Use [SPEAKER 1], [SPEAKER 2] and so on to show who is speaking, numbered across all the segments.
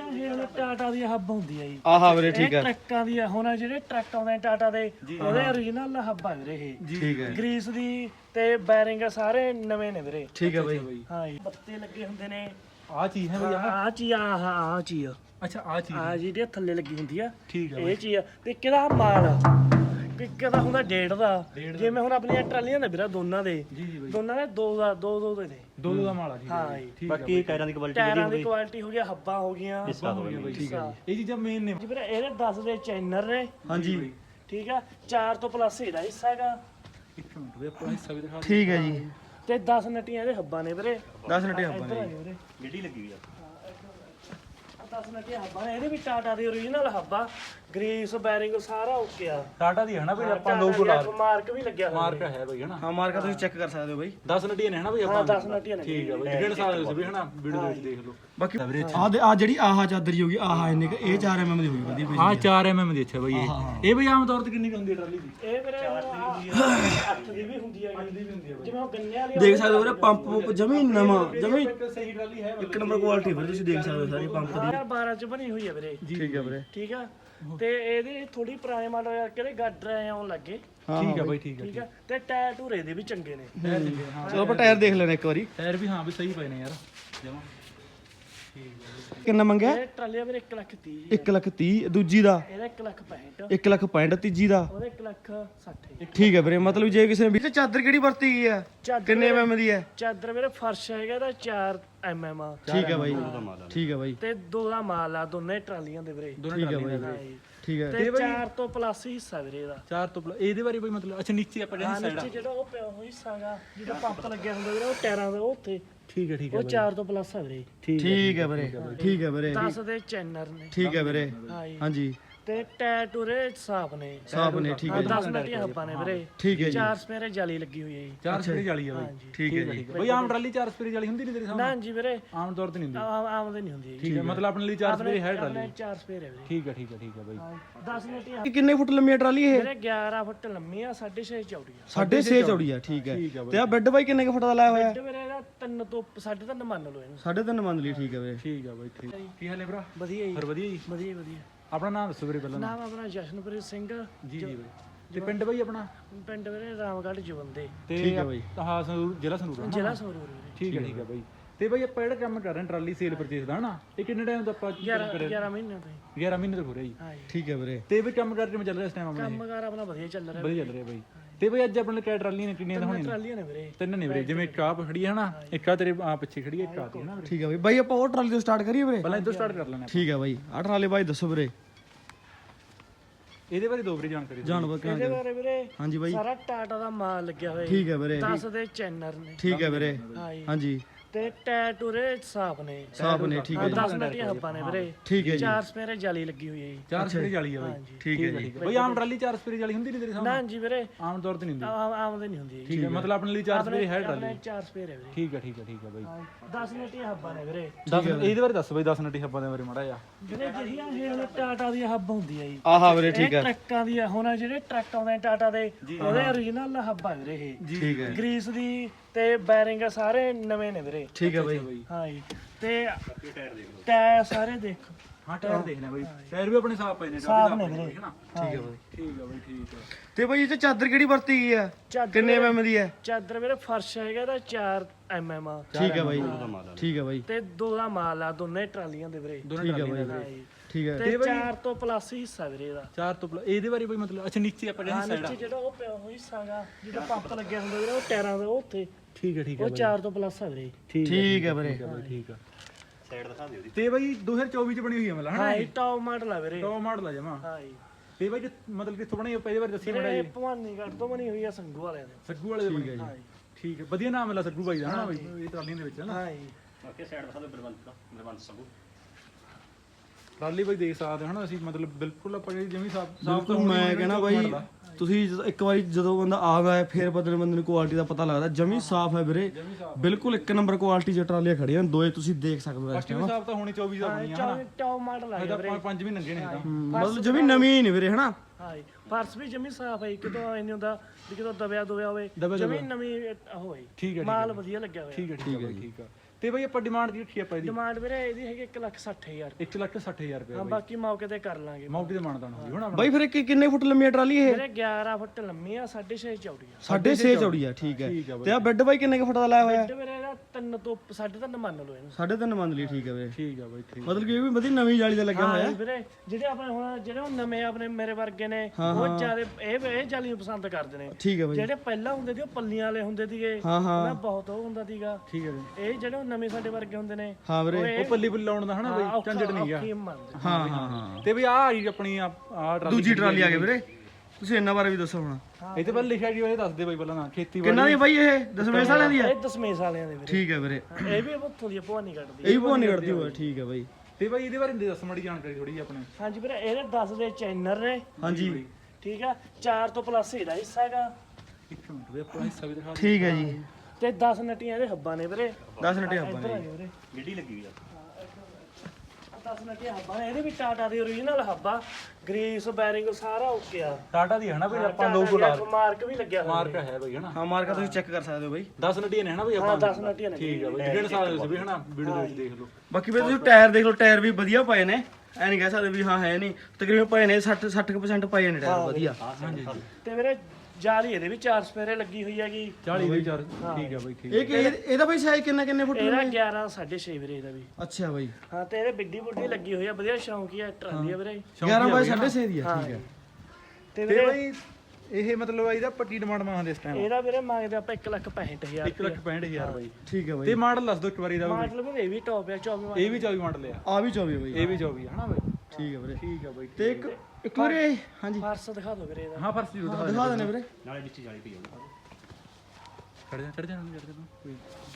[SPEAKER 1] ਇਹ ਟਾਟਾ ਦੀ ਹੱਬ ਹੁੰਦੀ ਆ ਜੀ।
[SPEAKER 2] ਆਹਾ ਵੀਰੇ ਠੀਕ ਹੈ।
[SPEAKER 1] ਟਰੱਕਾਂ ਦੀ ਹੁਣ ਜਿਹੜੇ ਟਰੱਕ ਆਉਂਦੇ ਟਾਟਾ ਦੇ ਉਹਦੇ origignal ਹੱਬ ਆ ਵੀਰੇ ਇਹ।
[SPEAKER 2] ਠੀਕ ਹੈ
[SPEAKER 1] ਗ੍ਰੀਸ ਦੀ ਤੇ ਬੈਰਿੰਗ ਸਾਰੇ ਨਵੇਂ ਨੇ ਵੀਰੇ।
[SPEAKER 2] ਠੀਕ ਹੈ ਬਾਈ।
[SPEAKER 1] ਹਾਂ ਜੀ ਪੱਤੇ ਲੱਗੇ ਹੁੰਦੇ ਨੇ।
[SPEAKER 3] ਆ ਚੀਜ਼ ਹੈ ਬਈ
[SPEAKER 1] ਆ ਚੀਜ਼ ਆ ਚੀਜ਼
[SPEAKER 3] ਅੱਛਾ ਆ ਚੀਜ਼
[SPEAKER 1] ਆ ਜਿਹੜੀ ਥੱਲੇ ਲੱਗੀ ਹੁੰਦੀ ਆ
[SPEAKER 3] ਠੀਕ ਹੈ
[SPEAKER 1] ਇਹ ਚੀਜ਼ ਆ। ਤੇ ਕਿਹਦਾ ਮਾਲ ਕਿਹਦਾ ਹੁੰਦਾ 1.5 ਦਾ। ਜਿਵੇਂ ਹੁਣ ਆਪਣੀਆਂ ਟਰਾਲੀਆਂ ਨੇ ਵੀਰਾ ਦੋਨਾਂ ਦੇ
[SPEAKER 3] ਜੀ ਜੀ ਬਈ
[SPEAKER 1] ਦੋਨਾਂ ਦੇ ਦੋ ਦੇ ਨੇ।
[SPEAKER 3] ਦੋ ਦਾ ਮਾਲ ਆ ਜੀ
[SPEAKER 1] ਹਾਂ ਜੀ
[SPEAKER 3] ਠੀਕ
[SPEAKER 4] ਬਾਕੀ ਟਾਇਰਾਂ ਦੀ ਕੁਆਲਿਟੀ
[SPEAKER 1] ਟਾਇਰਾਂ ਦੀ ਕੁਆਲਿਟੀ ਹੋ ਗਈ ਹੱਬਾਂ ਹੋ ਗਈਆਂ
[SPEAKER 4] ਹਿੱਸਾ ਹੋ ਗਿਆ ਬਈ
[SPEAKER 3] ਠੀਕ ਹੈ ਜੀ। ਇਹ ਚੀਜ਼ਾਂ ਮੇਨ ਨੇ
[SPEAKER 1] ਜੀ ਵੀਰੇ ਇਹਦੇ 10 ਦੇ ਚੈਨਰ ਨੇ।
[SPEAKER 2] ਹਾਂਜੀ
[SPEAKER 1] ਠੀਕ ਆ 4 ਤੋਂ ਪਲੱਸ ਇਹਦਾ ਹਿੱਸਾ ਹੈਗਾ
[SPEAKER 3] ਇੱਕ ਮਿੰਟ ਵੀ ਆਪਣਾ ਹਿੱਸਾ ਵੀ ਦਿਖਾ
[SPEAKER 2] ਠੀਕ ਹੈ ਜੀ।
[SPEAKER 1] ਤੇ 10 ਨਟੀਆਂ ਇਹਦੇ ਹੱਬਾਂ ਨੇ ਵੀਰੇ।
[SPEAKER 2] 10 ਮਿੰਟ ਆਪਾਂ
[SPEAKER 1] ਇੱਧਰ ਆ ਜਾਓ ਵੀਰੇ।
[SPEAKER 4] ਗੱਡੀ ਲੱਗੀ ਹੋਈ ਆ
[SPEAKER 1] 10 ਨਟੀਆਂ ਹੱਬਾਂ ਨੇ। ਇਹਦੇ ਵੀ ਟਾਟਾ ਦੀ origignal ਹੱਬਾ ਗ੍ਰੀਸ ਬੈਰਿੰਗ ਸਾਰਾ ਓਕੇ ਆ।
[SPEAKER 3] ਟਾਟਾ ਦੀ ਹੈ ਨਾ ਬਈ ਆਪਾਂ ਲੋਗੋ ਲਾ
[SPEAKER 1] ਮਾਰਕ ਵੀ ਲੱਗਿਆ ਹੋਇਆ
[SPEAKER 3] ਮਾਰਕਾ ਹੈ ਬਈ ਹਨਾ
[SPEAKER 2] ਹਾਂ ਮਾਰਕਾ ਤੁਸੀਂ ਚੈੱਕ ਕਰ ਸਕਦੇ ਹੋ ਬਾਈ।
[SPEAKER 3] 10 ਨਟੀਆਂ ਨੇ ਹਨਾ ਬਈ
[SPEAKER 1] ਹਾਂ
[SPEAKER 3] ਆਪਾਂ
[SPEAKER 1] 10 ਨਟੀਆਂ ਨੇ।
[SPEAKER 3] ਠੀਕ ਹੈ ਬਈ ਜਿਹੜੇ ਸਾਲ ਦੇ ਵੀ ਹਨਾ ਵੀਡੀਓ ਵਿੱਚ ਦੇਖ ਲਓ
[SPEAKER 2] ਬਾਕੀ ਆ ਜਿਹੜੀ ਆਹ ਚਾਦਰੀ ਹੋਗੀ ਆਹ ਇੰਨੇ ਇਹ 4 mm ਦੀ ਹੋਗੀ ਵਧੀਆ ਬਈ।
[SPEAKER 3] ਹਾਂ 4 mm ਦੀ ਅੱਛਾ ਬਈ ਇਹ ਬਈ ਆਮ ਤੌਰ ਤੇ ਕਿੰਨੀ ਕੁ ਹੁੰਦੀ ਹੈ ਟਰਾਲੀ ਦੀ
[SPEAKER 1] ਇਹ ਵੀਰੇ 8 ਦੀ ਵੀ ਹੁੰਦੀ ਹੈ ਜਿਵੇਂ ਉਹ ਗੰਨੇ ਵਾਲੀ
[SPEAKER 2] ਦੇਖ ਸਕਦੇ ਹੋ ਵੀਰੇ ਪੰਪ ਜਮੀ ਨਵਾਂ ਜਮੀ
[SPEAKER 3] ਸਹੀ ਟਰਾਲੀ ਹੈ
[SPEAKER 2] ਇੱਕ ਨੰਬਰ ਕੁਆਲਿਟੀ ਵੀਰੇ ਤੁਸੀਂ ਦੇਖ ਸਕਦੇ ਹੋ ਸਾਰੀ ਪੰਪ ਦੀ।
[SPEAKER 1] 2012 ਚ ਬਣੀ ਹੋਈ ਹੈ ਵੀਰੇ।
[SPEAKER 2] ਠੀਕ ਹੈ ਵੀਰੇ।
[SPEAKER 1] ਠੀਕ ਆ ਤੇ ਇਹਦੇ ਥੋੜੀ ਪੁਰਾਣੇ ਮਾਡਲ ਕਿਹੜੇ ਗਾਡਰ ਆਉਣ ਲੱਗੇ।
[SPEAKER 3] ਠੀਕ ਹੈ ਬਈ ਠੀਕ ਹੈ
[SPEAKER 1] ਠੀਕ ਆ ਤੇ ਟਾਇਰ ਟੂਰੇ ਦੇ ਵੀ ਚੰਗੇ ਨੇ।
[SPEAKER 2] ਚਲੋ ਆਪਾਂ ਟਾਇਰ ਦੇਖ ਲੈਣੇ ਇੱਕ ਵਾਰੀ।
[SPEAKER 3] ਟਾਇਰ ਵੀ ਹਾਂ ਵੀ ਸਹੀ ਪਏ ਨੇ ਯਾਰ ਜਮਾ
[SPEAKER 2] ਕਿੰਨਾ ਮੰਗਿਆ?
[SPEAKER 1] ਇਹ ਟਰਾਲੀ ਵੀਰੇ 1,30,000
[SPEAKER 2] 1 ਲੱਖ 30 ਦੂਜੀ ਦਾ
[SPEAKER 1] ਇਹਦਾ 1,65,000
[SPEAKER 2] 1 ਲੱਖ 65 ਤੀਜੀ ਦਾ।
[SPEAKER 1] ਉਹਦਾ 1,60,000
[SPEAKER 2] ਠੀਕ ਹੈ ਵੀਰੇ ਮਤਲਬ ਜੇ ਕਿਸੇ ਨੇ ਵੀ ਚਾਦਰ ਕਿਹੜੀ ਵਰਤੀ ਗਈ ਹੈ ਕਿੰਨੇ mm ਦੀ ਹੈ?
[SPEAKER 1] ਚਾਦਰ ਵੀਰੇ ਫਰਸ਼ ਹੈਗਾ ਇਹਦਾ 4 mm ਆ।
[SPEAKER 2] ਠੀਕ ਹੈ ਬਾਈ ਠੀਕ ਹੈ ਬਾਈ
[SPEAKER 1] ਤੇ ਦੋ ਦਾ ਮਾਲ ਆ ਦੋਨੇ ਟਰਾਲੀਆਂ ਦੇ ਵੀਰੇ।
[SPEAKER 3] ਦੋਨੇ
[SPEAKER 2] ਠੀਕ ਹੈ
[SPEAKER 3] ਟਰਾਲੀ
[SPEAKER 2] ਬਾਈ ਠੀਕ ਹੈ।
[SPEAKER 1] ਤੇ 4 ਤੋਂ ਪਲੱਸ ਹਿੱਸਾ ਵੀਰੇ ਇਹਦਾ।
[SPEAKER 3] 4 ਤੋਂ ਇਹਦੇ ਬਾਰੇ ਬਈ ਮਤਲਬ ਅੱਛਾ ਨੀਚੇ ਆਪਾਂ
[SPEAKER 1] ਹਾਂ
[SPEAKER 3] ਜਿਹੜੀ
[SPEAKER 1] ਨੀਚੇ ਜਿਹੜਾ ਉਹ ਪਿਆ ਹੋਇਆ ਹਿੱਸਾਗਾ ਜਿਹੜਾ ਪੰਪ ਲੱਗਿਆ ਹੁੰਦਾ ਵੀਰੇ ਉਹ ਟਾਇਰਾਂ ਦਾ ਉਹ ਉੱਥੇ
[SPEAKER 3] ਠੀਕ ਹੈ ਠੀਕ
[SPEAKER 1] ਉਹ 4 ਤੋਂ ਪਲੱਸ ਆ ਵੀਰੇ।
[SPEAKER 2] ਠੀਕ ਹੈ ਵੀਰੇ ਠੀਕ ਹੈ ਵੀਰੇ
[SPEAKER 1] 10 ਦੇ ਚੈਨਰ ਨੇ।
[SPEAKER 2] ਠੀਕ ਹੈ ਵੀਰੇ
[SPEAKER 1] ਹਾਂ ਜੀ
[SPEAKER 2] ਹਾਂਜੀ
[SPEAKER 1] ਤੇ ਟਾਇਰ ਟੂਰੇ ਸਾਫ ਨੇ।
[SPEAKER 2] ਸਾਫ ਨੇ ਠੀਕ ਹੈ
[SPEAKER 1] 10 ਨਟੀਆਂ ਹੱਬਾਂ ਨੇ ਵੀਰੇ।
[SPEAKER 2] ਠੀਕ ਹੈ ਜੀ
[SPEAKER 1] 4 ਸਪੇਰੇ ਜਾਲੀ ਲੱਗੀ ਹੋਈ ਹੈ ਜੀ।
[SPEAKER 3] 4 ਸਪਰੇ ਵਾਲੀ ਆ ਬਈ
[SPEAKER 2] ਠੀਕ ਹੈ ਜੀ।
[SPEAKER 3] ਬਈ ਆਮ ਟਰਾਲੀ 4 ਸਪਰੇ ਵਾਲੀ ਹੁੰਦੀ ਨਹੀਂ ਤੇਰੇ ਸਾਹਮਣੇ
[SPEAKER 1] ਨਾ ਜੀ ਵੀਰੇ
[SPEAKER 3] ਆਮ ਤੌਰ ਤੇ ਨਹੀਂ ਹੁੰਦੀ
[SPEAKER 1] ਆਮਦੇ ਨਹੀਂ ਹੁੰਦੀ
[SPEAKER 3] ਠੀਕ ਹੈ ਮਤਲਬ ਆਪਣੇ ਲਈ 4 ਸਪਰੇ ਹੈ ਟਰਾਲੀ
[SPEAKER 1] 4 ਸਪੇਰੇ ਵੀਰੇ।
[SPEAKER 3] ਠੀਕ ਹੈ ਠੀਕ ਹੈ ਠੀਕ ਹੈ ਬਈ
[SPEAKER 1] 10 ਨਟੀਆਂ
[SPEAKER 2] ਇਹ ਕਿੰਨੇ ਫੁੱਟ ਲੰਮੀ ਹੈ ਟਰਾਲੀ ਇਹ?
[SPEAKER 1] ਵੀਰੇ 11 ਫੁੱਟ ਲੰਮੀ ਆ 6.5 ਚੌੜੀ ਆ।
[SPEAKER 2] 6.5 ਚੌੜੀ ਆ ਠੀਕ ਹੈ। ਤੇ ਆ ਬੈੱਡ ਬਾਈ ਕਿੰਨੇ ਕੁ ਫੁੱਟ ਦਾ ਲਾਇਆ ਹੋਇਆ?
[SPEAKER 1] ਤੇ ਵੀਰੇ ਇਹਦਾ 3 ਤੋਂ 3.5 ਮੰਨ ਲਓ ਇਹਨੂੰ।
[SPEAKER 2] 3.5 ਮੰਨ ਲਈ ਠੀਕ ਹੈ ਵੀਰੇ।
[SPEAKER 3] ਠੀਕ ਹੈ ਬਈ ਠੀਕ ਕੀ ਹਾਲ ਹੈ ਭਰਾ
[SPEAKER 1] ਵਧੀਆ ਜੀ
[SPEAKER 3] ਹੋਰ ਵਧੀਆ ਜੀ
[SPEAKER 1] ਵਧੀਆ ਵਧੀਆ।
[SPEAKER 3] ਆਪਣਾ ਨਾਮ ਦੱਸੋ ਵੀਰੇ ਪਹਿਲਾਂ
[SPEAKER 1] ਨਾਮ ਆਪਣਾ ਜਸ਼ਨਪ੍ਰੀਤ ਸਿੰਘ
[SPEAKER 3] ਜੀ ਜੀ ਬਈ ਤੇ ਪਿੰਡ ਬਈ ਆਪਣਾ
[SPEAKER 1] ਪਿੰਡ ਵੀਰੇ ਰਾਮਗੜ੍ਹ ਜਵੰਦੇ
[SPEAKER 3] ਤੇ
[SPEAKER 2] ਠੀਕ ਹੈ ਬਈ।
[SPEAKER 3] ਹਾਂ ਸੰਗਰੂਰ ਜ਼ਿਲ੍ਹਾ ਸੰਗਰੂਰ ਹੈ
[SPEAKER 1] ਜ਼ਿਲ੍ਹਾ ਸੰਗਰੂਰ ਵੀਰੇ।
[SPEAKER 3] ਠੀਕ ਹੈ ਬਈ ਤੇ ਬਈ ਆਪਾਂ ਜਿਹੜਾ ਕੰਮ ਕਰ ਰਹੇ ਹਾਂ ਟਰਾਲੀ ਸੇਲ ਪਰਚੇਸ ਦਾ ਹਨਾ ਇਹ ਕਿੰਨੇ ਟਾਈਮ ਤੋਂ ਆਪਾਂ
[SPEAKER 1] 11 ਮਹੀਨਿਆਂ ਤੋਂ ਹੀ।
[SPEAKER 3] 11 ਮਹੀਨੇ ਤੋਂ ਹੋ ਰਿਹਾ ਜੀ
[SPEAKER 1] ਹਾਂ ਜੀ
[SPEAKER 2] ਠੀਕ ਹੈ ਵੀਰੇ।
[SPEAKER 3] ਤੇ ਵੀ ਕੰਮ ਕਰ ਕਿਵੇਂ ਚੱਲ ਰਿਹਾ ਇਸ ਟਾਈਮ ਆਪਣਾ
[SPEAKER 1] ਕੰਮਕਾਰ ਆਪਣਾ ਵਧੀਆ ਚੱਲ ਰਿਹਾ।
[SPEAKER 3] ਵਧੀਆ ਚੱਲ ਰਿਹਾ ਬਈ ਤੇ ਬਈ ਅੱਜ ਆਪਣੇ ਲਈ ਟਰਾਲੀਆਂ ਨੇ ਕਿੰਨੀਆਂ ਹੋਣੀਆਂ ਨੇ
[SPEAKER 1] ਟਰਾਲੀਆਂ ਨੇ ਵੀਰੇ।
[SPEAKER 3] 3 ਨੇ ਵੀਰੇ ਜਿਵੇਂ ਇੱਕ ਆਪ ਖੜੀ ਹੈ ਨਾ ਇੱਕ ਆ ਤੇਰੇ ਆ ਪਿੱਛੇ ਖੜੀ ਹੈ ਇੱਕ ਆ ਤੀ ਹੈ ਨਾ
[SPEAKER 2] ਠੀਕ ਹੈ ਬਾਈ ਬਾਈ ਆਪਾਂ ਉਹ ਟਰਾਲੀ ਤੋਂ ਸਟਾਰਟ ਕਰੀਏ ਵੀਰੇ?
[SPEAKER 3] ਪਹਿਲਾਂ ਇੱਧਰ ਸਟਾਰਟ ਕਰ ਲੈਣਾ
[SPEAKER 2] ਠੀਕ ਹੈ ਬਾਈ ਆ ਟਰਾਲੇ ਬਾਈ ਦੱਸੋ ਵੀਰੇ
[SPEAKER 3] ਇਹਦੇ ਬਾਰੇ ਦੋ ਵੀਰੇ ਜਾਣਕਾਰੀ ਦਿਓ।
[SPEAKER 2] ਜਾਨਵਰ
[SPEAKER 1] ਇਹਦੇ ਬਾਰੇ ਵੀਰੇ
[SPEAKER 2] ਹਾਂਜੀ ਬਾਈ
[SPEAKER 1] ਸਾਰਾ ਟਾਟਾ ਦਾ ਮਾਲ ਲੱਗਿਆ ਹੋਇਆ ਜੀ।
[SPEAKER 2] ਠੀਕ ਹੈ ਵੀਰੇ
[SPEAKER 1] 10 ਦੇ ਚੈਨਰ ਨੇ।
[SPEAKER 2] ਠੀਕ ਹੈ ਵੀਰੇ
[SPEAKER 1] ਹਾਂ ਜੀ
[SPEAKER 2] ਹਾਂਜੀ
[SPEAKER 1] ਤੇ ਟਾਇਰ ਟੂਰੇ ਸਾਫ ਨੇ।
[SPEAKER 2] ਸਾਫ ਨੇ ਠੀਕ ਹੈ ਜੀ
[SPEAKER 1] 10 ਨਟੀਆਂ ਹੱਬਾਂ ਨੇ ਵੀਰੇ।
[SPEAKER 2] ਠੀਕ ਹੈ ਜੀ
[SPEAKER 1] 4 ਸਪੇਰੇ ਜਾਲੀ ਲੱਗੀ ਹੋਈ ਹੈ ਜੀ।
[SPEAKER 3] 4 ਸਪਰੇ ਵਾਲੀ ਆ ਬਈ
[SPEAKER 2] ਠੀਕ ਹੈ ਜੀ
[SPEAKER 3] ਬਈ ਆਮ ਟਰਾਲੀ 4 ਸਪਰੇ ਵਾਲੀ ਹੁੰਦੀ ਨਹੀਂ ਤੇਰੇ ਸਾਹਮਣੇ
[SPEAKER 1] ਨਾ ਜੀ ਵੀਰੇ
[SPEAKER 3] ਆਮ ਤੌਰ ਤੇ ਨਹੀਂ ਹੁੰਦੀ
[SPEAKER 1] ਆਮਦੇ ਨਹੀਂ ਹੁੰਦੀ ਜੀ।
[SPEAKER 3] ਠੀਕ ਹੈ ਮਤਲਬ ਆਪਣੇ ਲਈ 4 ਸਪਰੇ ਹੈ ਟਰਾਲੀ
[SPEAKER 1] 4 ਸਪੇਰੇ ਵੀਰੇ।
[SPEAKER 3] ਠੀਕ ਹੈ ਠੀਕ ਹੈ ਠੀਕ ਹੈ ਬਈ
[SPEAKER 1] 10 ਨਟੀਆਂ ਹੱਬਾਂ ਨੇ ਵੀਰੇ।
[SPEAKER 3] 10 ਇਹਦੇ ਬਾਰੇ ਦੱਸ ਬਈ 10 ਨਟੀ ਹੱਬਾਂ ਦੇ ਬਾਰੇ ਮਾੜਾ ਜਿਹਾ
[SPEAKER 1] ਵੀਰੇ ਜਿਹੜੀਆਂ ਇਹ ਟਾਟਾ ਦੀ ਹੱਬ ਹੁੰਦੀ ਆ ਜੀ।
[SPEAKER 2] ਆਹਾ ਵੀਰੇ ਠੀਕ ਹੈ
[SPEAKER 1] ਟਰੱਕਾਂ ਦੀ ਹੁਣ ਜਿਹੜੇ ਟਰੱਕ ਆਉਂਦੇ ਟਾਟਾ ਦੇ ਉਹਦੇ origignal ਹੱਬ ਆ ਵੀਰੇ ਇਹ।
[SPEAKER 2] ਠੀਕ ਹੈ
[SPEAKER 1] ਗ੍ਰੀਸ ਦੀ ਤੇ ਬੈਰਿੰਗ ਸਾਰੇ ਨਵੇਂ ਨੇ ਵੀਰੇ।
[SPEAKER 2] ਠੀਕ ਹੈ ਬਾਈ
[SPEAKER 1] ਹਾਂ ਜੀ ਤੇ ਟਾਇਰ ਸਾਰੇ ਦੇਖੋ
[SPEAKER 3] ਹਾਂ ਟਾਇਰ ਦੇਖ ਲੈ ਬਈ ਟਾਇਰ ਵੀ ਆਪਣੇ ਸਾਫ ਪਏ ਨੇ
[SPEAKER 1] ਸਾਫ ਨੇ ਵੀਰੇ।
[SPEAKER 3] ਹੈ ਨਾ
[SPEAKER 2] ਠੀਕ ਹੈ ਬਾਈ
[SPEAKER 3] ਠੀਕ ਹੈ ਬਈ ਠੀਕ ਹੈ
[SPEAKER 2] ਤੇ ਬਾਈ ਇਹ ਚ ਚਾਦਰ ਕਿਹੜੀ ਵਰਤੀ ਗਈ ਹੈ
[SPEAKER 1] ਚਾਦਰ
[SPEAKER 2] ਕਿੰਨੇ mm ਦੀ ਹੈ?
[SPEAKER 1] ਚਾਦਰ ਵੀਰੇ ਫਰਸ਼ ਹੈਗਾ ਇਹਦਾ 4 mm ਆ।
[SPEAKER 2] ਠੀਕ ਹੈ ਬਾਈ ਠੀਕ ਹੈ ਬਾਈ
[SPEAKER 1] ਤੇ ਦੋ ਦਾ ਮਾਲ ਆ ਦੋਨੇ ਟਰਾਲੀਆਂ ਦੇ ਵੀਰੇ।
[SPEAKER 3] ਦੋਨੇ
[SPEAKER 2] ਠੀਕ ਹੈ
[SPEAKER 3] ਟਰਾਲੀਆਂ
[SPEAKER 2] ਬਾਈ
[SPEAKER 3] ਦੇ
[SPEAKER 1] ਹਾਂ ਜੀ
[SPEAKER 2] ਠੀਕ ਹੈ
[SPEAKER 1] ਤੇ 4 ਤੋਂ ਪਲੱਸ ਹਿੱਸਾ ਵੀਰੇ ਇਹਦਾ।
[SPEAKER 3] 4 ਤੋਂ ਇਹਦੇ ਬਾਰੇ ਬਈ ਮਤਲਬ ਅੱਛਾ ਨੀਚੇ ਆਪਾਂ
[SPEAKER 1] ਹਾਂ
[SPEAKER 3] ਜਿਹੜੀ
[SPEAKER 1] ਨੀਚੇ ਜਿਹੜਾ ਉਹ ਪਿਆ ਹੋਇਆ ਹਿੱਸਾਗਾ ਜਿਹੜਾ ਪੰਪ ਲੱਗਿਆ ਹੁੰਦਾ ਵੀਰੇ ਉਹ ਟਾਇਰਾਂ ਦਾ ਉਹ ਉੱਥੇ
[SPEAKER 3] ਠੀਕ ਹੈ ਠੀਕ
[SPEAKER 1] ਉਹ 4 ਤੋਂ ਪਲੱਸ ਆ ਵੀਰੇ।
[SPEAKER 2] ਠੀਕ ਹੈ ਵੀਰੇ
[SPEAKER 3] ਠੀਕ ਹੈ
[SPEAKER 4] ਸਾਈਡ ਦਿਖਾ ਦਿਓ ਦੀ
[SPEAKER 3] ਤੇ ਬਈ 2024 ਚ ਬਣੀ ਹੋਈ ਹੈ ਮਤਲਬ ਹਨਾ
[SPEAKER 1] ਹਾਂ ਇਹ ਟੌਪ ਮਾਡਲ ਆ ਵੀਰੇ।
[SPEAKER 3] ਟੌਪ ਮਾਡਲ ਆ ਜਮਾ
[SPEAKER 1] ਹਾਂ ਜੀ
[SPEAKER 3] ਤੇ ਬਈ ਮਤਲਬ ਕਿੱਥੋਂ ਬਣੀ ਆਪਾਂ ਇਹਦੇ ਬਾਰੇ ਦੱਸੀ ਮੜਾ
[SPEAKER 1] ਇਹ ਭਵਾਨੀਗੜ੍ਹ ਤੋਂ ਬਣੀ ਹੋਈ ਆ ਸੰਗੂ ਵਾਲਿਆਂ ਦੇ।
[SPEAKER 3] ਸੱਗੂ ਵਾਲੇ ਦੇ ਬਣੀ
[SPEAKER 1] ਹਾਂ ਜੀ
[SPEAKER 3] ਠੀਕ ਹੈ ਵਧੀਆ ਨਾਮ ਮਿਲਾ ਸੱਗੂ ਬਾਈ ਦਾ ਹਨਾ ਬਈ ਇਹ ਟਰਾਲੀਆਂ ਦੇ ਵਿੱਚ ਹਨਾ
[SPEAKER 1] ਹਾਂ ਜੀ
[SPEAKER 4] ਓਕੇ ਸਾਈਡ ਦਿਖਾ ਦਿਓ ਬਲਵੰਤ ਸਭੂ
[SPEAKER 3] ਟਰਾਲੀ ਬਈ ਦੇਖ ਸਕਦੇ ਹੋ ਹਨਾ ਅਸੀਂ ਮਤਲਬ ਬਿਲਕੁਲ ਆਪਾਂ ਜਿਹੜੀ ਜਮੀ ਸਾਫ
[SPEAKER 2] ਬਿਲਕੁਲ ਮੈਂ ਕਹਿਣਾ ਬਾਈ ਤੁਸੀਂ ਇੱਕ ਵਾਰੀ ਜਦੋਂ ਬੰਦਾ ਆਉਂਦਾ ਹੈ ਫਿਰ ਬੰਦੇ ਨੂੰ ਕੁਆਲਿਟੀ ਦਾ ਪਤਾ ਲੱਗਦਾ ਜਮੀ ਸਾਫ਼ ਹੈ ਵੀਰੇ ਬਿਲਕੁਲ ਇੱਕ ਨੰਬਰ ਕੁਆਲਿਟੀ ਚ ਟਰਾਲੀਆਂ ਖੜੀਆਂ ਦੋਏ ਤੁਸੀਂ ਦੇਖ ਸਕਦੇ ਹੋ ਇਸ
[SPEAKER 3] ਬਾਕੀ ਸਾਫ ਤਾਂ ਹੋਣੀ 24 ਦਾ ਬਣੀ ਆ ਹਨਾ
[SPEAKER 1] ਟੌਪ ਮਾਡਲ ਆ
[SPEAKER 3] ਇਹਦਾ
[SPEAKER 1] ਵੀਰੇ।
[SPEAKER 3] 5 ਵੀ ਨੰਗੇ ਨੇ ਇਹਦਾ
[SPEAKER 2] ਮਤਲਬ ਜਮੀ ਨਵੀਂ ਹੀ ਨਹੀਂ ਵੀਰੇ ਹਨਾ
[SPEAKER 1] ਹਾਂ ਜੀ ਫਰਸ਼ ਵੀ ਜਮੀ ਸਾਫ ਹੈ ਕਿਤੋਂ ਐ ਨਹੀਂ ਹੁੰਦਾ ਵੀ ਕਿਤੋਂ ਦਬਿਆ ਹੋਵੇ ਜਮੀ ਨਵੀਂ ਹੋਈ
[SPEAKER 3] ਠੀਕ ਹੈ
[SPEAKER 1] ਮਾਲ ਵਧੀਆ ਲੱਗਿਆ ਹੋਇਆ।
[SPEAKER 3] ਠੀਕ ਹੈ ਠੀਕ ਹੈ ਠੀਕ ਹੈ ਤੇ ਬਈ ਆਪਾਂ ਡਿਮਾਂਡ ਦੀ ਰੱਖੀ ਆਪਾਂ ਇਹਦੀ
[SPEAKER 1] ਡਿਮਾਂਡ ਵੀਰੇ ਇਹਦੀ ਹੈਗੀ 1,60,000
[SPEAKER 3] 1,60,000 ਰੁਪਏ
[SPEAKER 1] ਹਾਂ ਬਾਕੀ ਮੌਕੇ ਤੇ ਕਰ ਲਾਂਗੇ
[SPEAKER 3] ਮੌਕੇ ਤੇ ਮਾਨਦਾਨ ਹੋਈ ਹੁਣ
[SPEAKER 2] ਬਾਈ ਫਿਰ ਕਿੰਨੇ ਫੁੱਟ ਲੰਮੀ ਆ ਟਰਾਲੀ ਇਹ?
[SPEAKER 1] ਵੀਰੇ 11 ਫੁੱਟ ਲੰਮੀ ਆ 6.5 ਚੌੜੀ ਆ
[SPEAKER 2] 6.5 ਚੌੜੀ ਆ, ਠੀਕ ਹੈ।
[SPEAKER 3] ਠੀਕ ਆ
[SPEAKER 2] ਤੇ ਆ ਬੈੱਡ ਬਾਈ ਕਿੰਨੇ ਕੁ ਫੁੱਟ ਦਾ ਲਾਇਆ ਹੋਇਆ?
[SPEAKER 1] ਤੇ ਵੀਰੇ ਇਹਦਾ 3 ਤੋਂ 3.5 ਮੰਨ ਲਓ ਇਹਨੂੰ
[SPEAKER 2] 3.5 ਮੰਨ ਲਈ, ਠੀਕ ਹੈ ਵੀਰੇ।
[SPEAKER 3] ਠੀਕ ਆ ਬਈ ਠੀਕ
[SPEAKER 2] ਮਤਲਬ ਕਿ ਇਹ ਵੀ ਵਧੀਆ ਨਵੀਂ ਜਾਲੀ ਦਾ ਲੱਗਿਆ ਹੋਇਆ।
[SPEAKER 1] ਹਾਂ ਵੀਰੇ ਜਿਹੜੇ ਆਪਣੇ ਹੁਣ ਜਿਹੜੇ ਉਹ ਨਵੇਂ ਆਪਣੇ ਮੇਰੇ ਵਰਗੇ ਨੇ ਉਹ ਜ਼ਿਆਦਾ ਇਹ ਜਾਲੀ ਨੂੰ ਪਸੰਦ ਕਰਦੇ ਨੇ।
[SPEAKER 2] ਠੀਕ ਹੈ ਬਾਈ।
[SPEAKER 1] ਜਿਹੜੇ ਪਹਿਲਾਂ ਹੁੰਦੇ ਸੀ ਉਹ ਪੱਲੀਆਂ ਵਾਲੇ ਹੁੰਦੇ ਸੀਗੇ,
[SPEAKER 2] ਹਾਂ ਹਾਂ
[SPEAKER 1] ਉਹਨਾਂ ਬਹੁਤ ਉਹ ਹੁੰਦਾ ਸੀਗਾ।
[SPEAKER 3] ਠੀਕ ਹੈ ਬਈ
[SPEAKER 1] ਇਹ ਜਿਹੜੇ ਉਹ ਨਵੇਂ ਸਾਡੇ ਵਰਗੇ ਹੁੰਦੇ ਨੇ
[SPEAKER 2] ਹਾਂ ਵੀਰੇ,
[SPEAKER 3] ਉਹ ਪੱਲੀ ਪੁੱਲੀ ਲਾਉਣ ਦਾ ਹਨਾ ਬਈ ਝੰਜਟ ਨਹੀਂ ਗਿਆ।
[SPEAKER 1] ਕੀ ਮੰਨਦੇ
[SPEAKER 2] ਹਾਂ ਹਾਂ ਹਾਂ।
[SPEAKER 3] ਤੇ ਬਈ ਆ ਆ ਗਈ ਆਪਣੀ ਆ ਟਰਾਲੀ
[SPEAKER 2] ਦੂਜੀ ਟਰਾਲੀ ਆ ਗਈ ਵੀਰੇ, ਤੁਸੀਂ ਇਹਨਾਂ ਬਾਰੇ ਵੀ ਦੱਸੋ ਹੁਣ।
[SPEAKER 3] ਇਹ ਤੇ ਪਹਿਲਾਂ ਲਿਖਿਆ ਕੀ ਹੋਇਆ ਦੱਸ ਦੇ ਬਈ ਪਹਿਲਾਂ ਨਾ ਖੇਤੀ
[SPEAKER 2] ਕਿੰਨਾ ਦੀ ਬਾਈ ਇਹ? ਦਸਮੇਸ਼ ਵਾਲਿਆਂ ਦੀ ਆ?
[SPEAKER 1] ਇਹ ਦਸਮੇਸ਼ ਵਾਲਿਆਂ ਦੇ ਵੀਰੇ।
[SPEAKER 2] ਠੀਕ ਹੈ ਵੀਰੇ,
[SPEAKER 1] ਇਹ ਵੀ ਉੱਥੋਂ ਦੀ ਭਵਾਨੀ ਕੱਢਦੀ
[SPEAKER 2] ਇਹ ਵੀ ਭਵਾਨੀ ਕੱਢਦੀ ਹੋਇਆ, ਠੀਕ ਹੈ ਬਾਈ।
[SPEAKER 3] ਤੇ ਬਈ ਇਹਦੇ ਬਾਰੇ ਦੱਸ ਮਾੜੀ ਜਾਣਕਾਰੀ ਥੋੜੀ ਜਿਹੀ ਆਪਣੇ।
[SPEAKER 1] ਹਾਂਜੀ ਵੀਰੇ ਇਹਦੇ 10 ਦੇ ਚੈਨਰ ਨੇ,
[SPEAKER 2] ਹਾਂਜੀ
[SPEAKER 1] ਠੀਕ ਆ 4 ਤੋਂ ਪਲੱਸ ਇਹਦਾ ਹਿੱਸਾ ਹੈਗਾ
[SPEAKER 3] ਇੱਕ ਮਿੰਟ ਵੀ ਆਪਣਾ ਹਿੱਸਾ ਵੀ ਦਿਖਾ ਦੇ।
[SPEAKER 2] ਠੀਕ ਹੈ ਜੀ।
[SPEAKER 1] ਤੇ 10 ਨਟੀਆਂ ਇਹਦੇ ਹੱਬਾਂ ਨੇ ਵੀਰੇ।
[SPEAKER 2] 10 ਨਟੇ ਆਪਾਂ
[SPEAKER 1] ਇੱਧਰ ਆ
[SPEAKER 2] ਨੇ।
[SPEAKER 1] ਜਾਓ ਵੀਰੇ।
[SPEAKER 4] ਜਿਹੜੀ ਲੱਗੀ ਹੋਈ ਆ
[SPEAKER 1] 10 ਨਟੀਆਂ ਹੱਬਾਂ ਨੇ, ਇਹਦੇ ਵੀ ਟਾਟਾ ਦੀ ਓਰੀਜਨਲ ਹੱਬਾ, ਗ੍ਰੀਸ ਬੈਰਿੰਗ ਸਾਰਾ ਓਕੇ ਆ।
[SPEAKER 3] ਟਾਟਾ ਦੀ ਹੈ ਨਾ ਬਈ ਆਪਾਂ ਲੋਗੋ ਲਾ
[SPEAKER 1] ਮਾਰਕ ਵੀ ਲੱਗਿਆ ਹੋਇਆ
[SPEAKER 3] ਮਾਰਕ ਹੈ ਬਈ ਹਨਾ।
[SPEAKER 2] ਹਾਂ ਮਾਰਕਾ ਤੁਸੀਂ ਚੈੱਕ ਕਰ ਸਕਦੇ ਹੋ ਬਾਈ।
[SPEAKER 3] 10 ਨਟੀਆਂ ਨੇ ਹਨਾ ਬਈ
[SPEAKER 1] ਹਾਂ
[SPEAKER 3] ਆਪਾਂ
[SPEAKER 1] 10 ਨਟੀਆਂ ਨੇ।
[SPEAKER 3] ਠੀਕ ਆ ਬਈ ਡੇਢ ਸਾਲ ਦੇ ਸੀ ਵੀ ਹਨਾ ਵੀਡੀਓ ਦੇ ਵਿੱਚ ਦੇਖ ਲਓ।
[SPEAKER 2] ਬਾਕੀ ਵੀ ਤੁਸੀਂ ਟਾਇਰ ਦੇਖ ਲਓ, ਟਾਇਰ ਵੀ ਵਧੀਆ ਪਏ ਨੇ, ਐ ਨਹੀਂ ਕਹਿ ਸਕਦੇ ਵੀ ਹਾਂ ਹੈ ਨਹੀਂ, ਤਕਰੀਬਨ ਪਏ ਨੇ 60% ਪਏ ਨੇ ਟਾਇਰ ਵਧੀਆ।
[SPEAKER 3] ਹਾਂਜੀ
[SPEAKER 1] ਤੇ ਵੀਰੇ ਜਾਲੀ ਇਹਦੇ ਵੀ 4 ਸਪੇਰੇ ਲੱਗੀ ਹੋਈ ਹੈਗੀ।
[SPEAKER 3] 40 ਦੀ 4 ਠੀਕ ਆ ਬਈ ਠੀਕ।
[SPEAKER 2] ਇਹ ਇਹਦਾ ਬਾਈ ਸਾਈਜ਼ ਕਿੰਨੇ ਫੁੱਟ
[SPEAKER 1] ਇਹਦਾ
[SPEAKER 2] ਨੇ?
[SPEAKER 1] 11 6.5 ਵੀਰੇ ਇਹਦਾ ਵੀ।
[SPEAKER 2] ਅੱਛਾ ਬਾਈ,
[SPEAKER 1] ਹਾਂ ਤੇ ਇਹਦੇ ਬਿੱਡੀ ਬੁੱਡੀ ਲੱਗੀ ਹੋਈ ਆ, ਵਧੀਆ ਸ਼ੌਂਕੀ ਆ ਟਰਾਲੀ ਆ ਵੀਰੇ।
[SPEAKER 2] 11 ਬਾਈ 6.5 ਦੀ ਆ, ਠੀਕ ਹੈ।
[SPEAKER 1] ਤੇ
[SPEAKER 3] ਤੇ
[SPEAKER 1] ਵੀਰੇ
[SPEAKER 3] ਬਈ ਇਹ ਮਤਲਬ ਇਹਦਾ ਪੱਟੀ ਡਿਮਾਂਡ ਮੰਗਦੇ ਇਸ ਟਾਈਮ
[SPEAKER 1] ਇਹਦਾ ਵੀਰੇ ਮੰਗਦੇ ਆਪਾਂ 1,65,000
[SPEAKER 3] 1,65,000 ਬਈ।
[SPEAKER 2] ਠੀਕ ਹੈ ਬਾਈ।
[SPEAKER 3] ਤੇ ਮਾਡਲ ਦੱਸ ਦਿਓ ਇੱਕ ਵਾਰੀ ਦਾ
[SPEAKER 1] ਮਾਡਲ ਵੀ ਇਹ ਵੀ ਟੌਪ ਆ 24
[SPEAKER 3] ਇਹ ਵੀ 24 ਮਾਡਲ ਆ
[SPEAKER 2] ਆ ਵੀ 24 ਬਾਈ,
[SPEAKER 3] ਇਹ ਵੀ 24 ਹਨਾ ਬਈ।
[SPEAKER 2] ਠੀਕ ਹੈ ਵੀਰੇ।
[SPEAKER 3] ਠੀਕ ਆ ਬਈ
[SPEAKER 2] ਤੇ ਇੱਕ ਵੀਰੇ, ਹਾਂਜੀ
[SPEAKER 1] ਫਰਸ ਦਿਖਾ ਦਿਓ ਵੀਰੇ ਇਹਦਾ।
[SPEAKER 3] ਹਾਂ ਫਰਸ ਜ਼ਰੂਰ ਦਿਖਾ
[SPEAKER 2] ਦਿਖਾ ਦੇਣੇ ਵੀਰੇ।
[SPEAKER 4] ਨਾਲੇ ਵਿੱਚ ਜਾਲੀ ਪਈ ਹੋਣੀ।
[SPEAKER 3] ਚੜ ਜਾ ਕੋਈ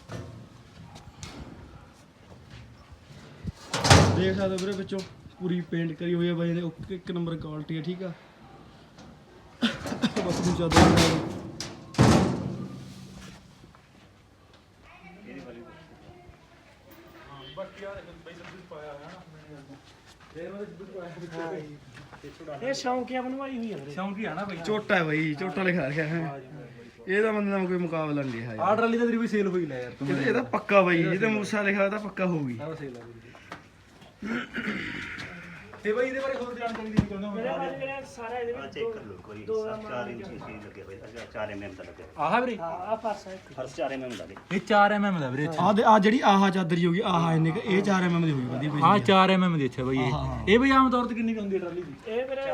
[SPEAKER 2] ਦੇਖ ਸਕਦੇ ਹੋ ਵੀਰੇ ਵਿੱਚੋਂ ਪੂਰੀ ਪੇਂਟ ਕਰੀ ਹੋਈ ਹੈ ਬਾਈ ਨੇ, ਇੱਕ ਨੰਬਰ ਕੁਆਲਿਟੀ ਹੈ, ਠੀਕ ਆ। ਬਸ ਨੂੰ ਚਾਦਰ
[SPEAKER 3] ਬਾਕੀ ਆ ਬਈ ਸਭ ਕੁਝ ਪਾਇਆ ਹੈ ਹਨਾ। ਇਹ ਵਾਲੇ ਸਭ ਕੁਝ ਪਾਇਆ
[SPEAKER 1] ਇਹ ਸ਼ੌਂਕੀਆ ਬਣਵਾਈ ਹੋਈ ਆ ਵੀਰੇ।
[SPEAKER 3] ਸ਼ੌਂਕੀ ਆ ਨਾ ਬਈ।
[SPEAKER 2] ਝੋਟਾ ਹੈ ਬਾਈ, ਝੋਟਾ ਲਿਖਾ ਰੱਖਿਆ ਹੈ। ਇਹਦਾ ਬੰਦੇ ਨਾਲ ਕੋਈ ਮੁਕਾਬਲਾ ਨਹੀਂ ਰਿਹਾ
[SPEAKER 3] ਆਹ ਟਰਾਲੀ ਤਾਂ ਤੇਰੀ ਵੀ ਸੇਲ ਹੋਈ ਲੈ ਯਾਰ ਤੂੰ।
[SPEAKER 2] ਇਹਦਾ ਪੱਕਾ ਬਾਈ, ਇਹਦਾ ਮੂਸਾ ਲਿਖਿਆ ਹੋਇਆ ਤਾਂ ਪੱਕਾ ਹੋਊਗੀ।
[SPEAKER 3] ਆਹ ਸੇਲ ਆ ਬਈ। ਤੇ ਬਈ ਇਹਦੇ ਬਾਰੇ ਹੋਰ ਜਾਣਕਾਰੀ ਦੇਣੀ ਚਾਹੁੰਦਾ
[SPEAKER 1] ਮੇਰੇ
[SPEAKER 3] ਹਾਂ।
[SPEAKER 1] ਬਾਰੇ ਵੀਰੇ ਸਾਰਾ ਇਹਦੇ
[SPEAKER 4] ਆ
[SPEAKER 1] ਵਿੱਚ
[SPEAKER 4] ਚੈੱਕ ਕਰ ਲਓ ਇੱਕ ਵਾਰੀ। 4 ਇੰਚ ਸੀ ਲੱਗੇ ਹੋਏ 4 mm ਦਾ ਲੱਗਿਆ।
[SPEAKER 3] ਆਹ ਵੀਰੇ
[SPEAKER 1] ਆ ਫਰਸ ਹੈ।
[SPEAKER 4] ਫਰਸ 4 mm ਲੱਗੇ।
[SPEAKER 3] ਇਹ 4 mm ਦਾ ਵੀਰੇ।
[SPEAKER 2] ਆ ਜਿਹੜੀ ਆਹ ਚਾਦਰ ਹੋਗੀ, ਆਹ ਇੰਨੇ ਇਹ 4 mm ਦੀ ਹੋਈ ਵਧੀਆ ਬਾਈ।
[SPEAKER 3] ਆਹ 4 mm ਦੀ ਅੱਛਾ ਬਈ ਇਹ ਬਈ ਆਮ ਤੌਰ ਤੇ ਕਿੰਨੀ ਕੁ ਹੁੰਦੀ ਹੈ ਟਰਾਲੀ ਦੀ?
[SPEAKER 1] ਇਹ ਵੀਰੇ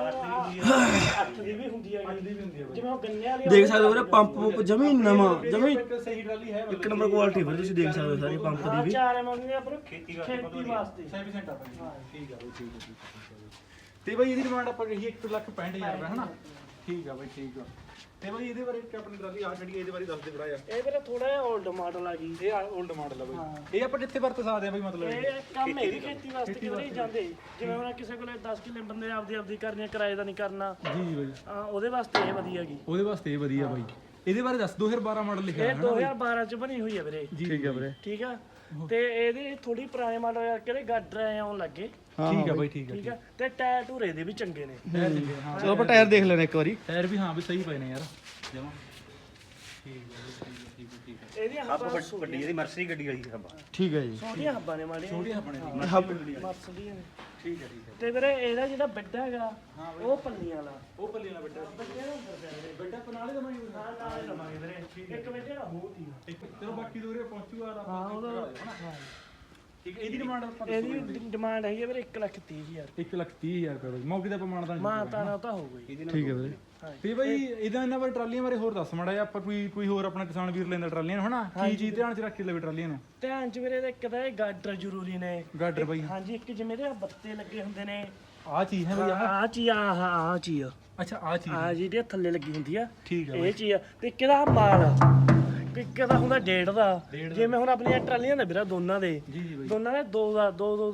[SPEAKER 1] 8 ਦੀ ਵੀ ਹੁੰਦੀ ਹੈ ਜਿਵੇਂ ਉਹ ਗੰਨੇ ਵਾਲੀ
[SPEAKER 2] ਦੇਖ ਸਕਦੇ ਹੋ ਵੀਰੇ, ਪੰਪ ਜਮੀ ਨਵਾਂ, ਜਮੀ
[SPEAKER 3] ਸਹੀ ਟਰਾਲੀ ਹੈ
[SPEAKER 2] ਇੱਕ ਨੰਬਰ ਕੁਆਲਿਟੀ ਵੀਰੇ, ਤੁਸੀਂ ਦੇਖ ਸਕਦੇ ਹੋ ਸਾਰੀ ਪੰਪ ਦੀ ਵੀ।
[SPEAKER 1] 4 mm ਦੀ ਆਪਰ ਖੇਤੀ ਵਾਸਤੇ।
[SPEAKER 3] 100% ਆ ਬਈ। ਠੀਕ ਆ ਬਈ ਠੀਕ ਆ। ਤੇ ਬਈ ਇਹਦੀ ਡਿਮਾਂਡ ਆਪਾਂ ਕਹੀਏ 1,65,000 ਰੁਪਏ ਹਨਾ। ਠੀਕ ਆ ਬਈ ਠੀਕ ਆ। ਤੇ ਬਈ ਇਹਦੇ ਬਾਰੇ ਆਪਣੀ ਟਰਾਲੀ ਆ ਜਿਹੜੀ ਇਹਦੇ ਬਾਰੇ ਦੱਸ ਦੇ ਬੜਾ
[SPEAKER 1] ਇਹ ਵੀਰੇ ਥੋੜਾ ਜਿਹਾ 올ਡ ਮਾਡਲ ਆ ਗਈ।
[SPEAKER 3] ਇਹ 올ਡ ਮਾਡਲ ਆ ਬਈ। ਇਹ ਆਪਾਂ ਜਿੱਥੇ ਵਰਤ ਸਕਦੇ ਆ ਬਈ ਮਤਲਬ
[SPEAKER 1] ਇਹ ਕੰਮ ਇਹ ਵੀ ਖੇਤੀ ਵਾਸਤੇ ਕਿਉਂ ਨਹੀਂ ਜਾਂਦੇ, ਜਿਵੇਂ ਹੁਣ ਕਿਸੇ ਕੋਲੇ 10 ਕਿੱਲੇ ਬੰਦੇ ਆਪਦੀ ਕਰਨੀ, ਕਿਰਾਏ ਦਾ ਨਹੀਂ ਕਰਨਾ,
[SPEAKER 3] ਜੀ ਬਈ
[SPEAKER 1] ਉਹਦੇ ਵਾਸਤੇ ਇਹ ਵਧੀਆ ਹੈਗੀ।
[SPEAKER 3] ਉਹਦੇ ਵਾਸਤੇ ਇਹ ਵਧੀਆ ਬਾਈ। ਇਹਦੇ ਬਾਰੇ ਦੱਸ 2012 ਮਾਡਲ ਲਿਖਿਆ
[SPEAKER 1] ਇਹ
[SPEAKER 3] ਹੈ
[SPEAKER 1] 2012 ਚ ਬਣੀ ਹੋਈ ਹੈ ਵੀਰੇ।
[SPEAKER 2] ਠੀਕ ਹੈ ਵੀਰੇ,
[SPEAKER 1] ਠੀਕ ਆ। ਤੇ ਇਹਦੇ ਥੋੜੀ ਪੁਰਾਣੇ ਮਾਡਲ ਕਰਕੇ ਗਾਡਰ ਆਉਣ ਲੱਗੇ।
[SPEAKER 3] ਠੀਕ ਆ ਬਾਈ ਠੀਕ ਆ।
[SPEAKER 1] ਠੀਕ ਆ। ਤੇ ਟਾਇਰ ਟੂਰੇ ਦੇ ਵੀ ਚੰਗੇ ਨੇ।
[SPEAKER 2] ਚਲੋ ਆਪਾਂ ਟਾਇਰ ਦੇਖ ਲੈਣੇ ਇੱਕ ਵਾਰੀ।
[SPEAKER 3] ਟਾਇਰ ਵੀ ਹਾਂ ਵੀ ਸਹੀ ਪਏ ਨੇ ਯਾਰ ਜਮਾ। ਠੀਕ ਆ ਠੀਕ ਆ।
[SPEAKER 1] ਇਹਦੀਆਂ
[SPEAKER 4] ਹੱਬ ਵੱਡੀ ਇਹਦੀ ਮਰਸੀ ਗੱਡੀ ਵਾਲੀ ਹੱਬ।
[SPEAKER 2] ਠੀਕ ਹੈ ਜੀ।
[SPEAKER 1] ਛੋਟੀਆਂ ਹੱਬਾਂ ਨੇ ਮਾੜੀਆਂ,
[SPEAKER 3] ਛੋਟੀਆਂ ਆਪਣੇ
[SPEAKER 1] ਮਰਸ ਦੀਆਂ ਨੇ।
[SPEAKER 3] ਠੀਕ ਆ ਠੀਕ ਆ।
[SPEAKER 1] ਤੇ ਵੀਰੇ ਇਹਦਾ ਜਿਹੜਾ ਵੱਡਾ ਹੈਗਾ ਉਹ ਪੱਲੀਆਂ ਵਾਲਾ।
[SPEAKER 3] ਉਹ ਪੱਲੀ ਨਾਲ ਵੱਡਾ
[SPEAKER 1] ਬੱਚੇ ਨੂੰ ਫਿਰਦੇ
[SPEAKER 3] ਵੱਡਾ ਪਨਾਲੇ ਦਾ ਮੈਂ
[SPEAKER 1] ਹਾਂ ਨਾਲੇ ਲਵਾਂਗੇ ਵੀਰੇ। ਇੱਕ ਵਜੇ ਦਾ ਹੋ ਤੀ।
[SPEAKER 3] ਚਲੋ ਬਾਕੀ ਦੂਰੇ ਪਹੁੰਚੂਗਾ
[SPEAKER 1] ਹਾਂ ਉਹਦਾ
[SPEAKER 3] ਠੀਕ ਹੈ। ਇਹਦੀ ਡਿਮਾਂਡ ਆਪਾਂ
[SPEAKER 1] ਇਹਦੀ ਡਿਮਾਂਡ ਹੈਗੀ ਹੈ ਵੀਰੇ 1,30,000।
[SPEAKER 3] 1,30,000 ਰੁਪਏ ਬਈ ਮੌਕੇ ਤੇ ਆਪਾਂ ਮਾਨਦਾਨ
[SPEAKER 1] ਮਾਂ ਤਾਣਾ ਤਾਂ ਹੋ ਗਈ।
[SPEAKER 2] ਠੀਕ ਹੈ ਵੀਰੇ।
[SPEAKER 3] ਤੇ ਬਈ ਇਹਦਾ ਇਹਨਾਂ ਬਾਰੇ ਟਰਾਲੀਆਂ ਬਾਰੇ ਹੋਰ ਦੱਸ ਮਾੜਾ ਜਿਹਾ। ਆਪਾਂ ਕੋਈ ਹੋਰ ਆਪਣਾ ਕਿਸਾਨ ਵੀਰ ਲੈਂਦਾ ਟਰਾਲੀਆਂ ਨੂੰ ਹਨਾ, ਕੀ ਚੀਜ਼ ਧਿਆਨ ਚ ਰੱਖ ਕੇ ਲਵੇ ਟਰਾਲੀਆਂ ਨੂੰ?
[SPEAKER 1] ਧਿਆਨ ਚ ਵੀਰੇ ਇੱਕ ਤਾਂ ਇਹ ਗਾਡਰ ਜ਼ਰੂਰੀ ਨੇ।
[SPEAKER 3] ਗਾਡਰ ਬਈ
[SPEAKER 1] ਹਾਂਜੀ ਇੱਕ ਜਿਵੇਂ ਦੇ ਬੱਤੇ ਲੱਗੇ ਹੁੰਦੇ ਨੇ।
[SPEAKER 3] ਆਹ ਚੀਜ਼ ਹੈ ਬਈ
[SPEAKER 1] ਆਹ ਚੀਜ਼ ਆਹ ਚੀਜ਼
[SPEAKER 3] ਅੱਛਾ ਆਹ ਚੀਜ਼
[SPEAKER 1] ਆ ਜਿਹੜੀ ਥੱਲੇ ਲੱਗੀ ਹੁੰਦੀ ਆ
[SPEAKER 3] ਠੀਕ ਆ
[SPEAKER 1] ਇਹ ਚੀਜ਼ ਆ। ਤੇ ਕਿਹਦਾ ਮਾਲ ਇੱਕ ਦਾ ਹੁੰਦਾ 1.5 ਦਾ, ਜਿਵੇਂ ਹੁਣ ਆਪਣੀਆਂ ਟਰਾਲੀਆਂ ਨੇ ਵੀਰਾ ਦੋਨਾਂ ਦੇ
[SPEAKER 3] ਜੀ ਜੀ ਬਈ
[SPEAKER 1] ਦੋਨਾਂ ਦੇ 2 ਦੇ ਨੇ।